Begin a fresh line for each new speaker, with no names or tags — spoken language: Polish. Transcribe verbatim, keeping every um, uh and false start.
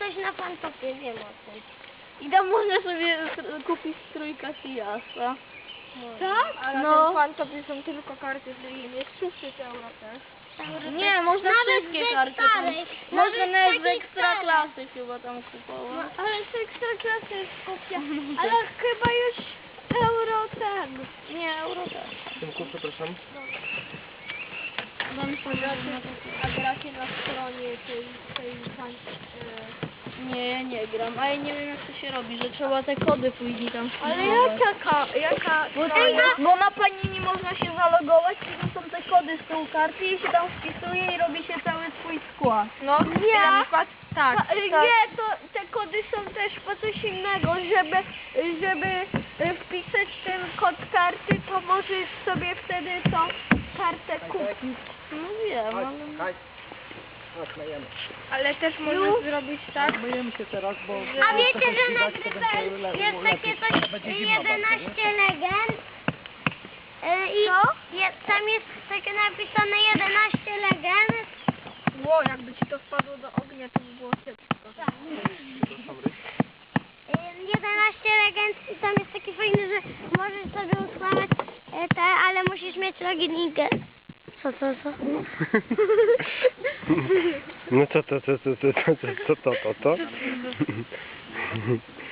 coś na Fantopie, wiem o tym.
I tam można sobie str- kupić strój Casillasa.
Tak? Ale
No.
no. Fantopie są tylko karty z linii, jest szósty euro też.
Nie, można
Nawet
wszystkie
ze
karty tam.
starej,
Można
nawet
nawet z
takiej
ekstra
starej.
klasy chyba tam kupować.
Ale z ekstraklasy jest kopia. Ale chyba już euro ten.
Nie, euro też.
Tymku, przepraszam.
Dam sobie
A gracie na stronie tej, tej pan...
Nie, ja nie gram, a ja nie wiem jak to się robi, że trzeba te kody później tam
Ale
wpisywać.
jaka, jaka
Bo,
strona?
bo na panini można się zalogować, i to są te kody z tyłu karty i się tam wpisuje i robi się cały twój skład.
No nie,
Na przykład, tak,
Ta,
tak.
nie, to te kody są też po coś innego, żeby, żeby y, wpisać ten kod karty, to możesz sobie wtedy tą kartę kupić.
No wiem, ale...
Chodź, chodź, myjemy.
Ale też można zrobić tak.
Myjemy się teraz, bo...
A wiecie, że nagrywa jest takie coś jedenaście legend? E, I je, tam jest takie napisane jedenaście legend.
Ło, jakby ci to wpadło do ognia, to by było kiepsko.
E, jedenaście legend i tam jest taki fajny, że możesz sobie ustawiać e, te, ale musisz mieć loginkę. Co, co, co?
No co to, co, co, co, co, co, co, to, to, to?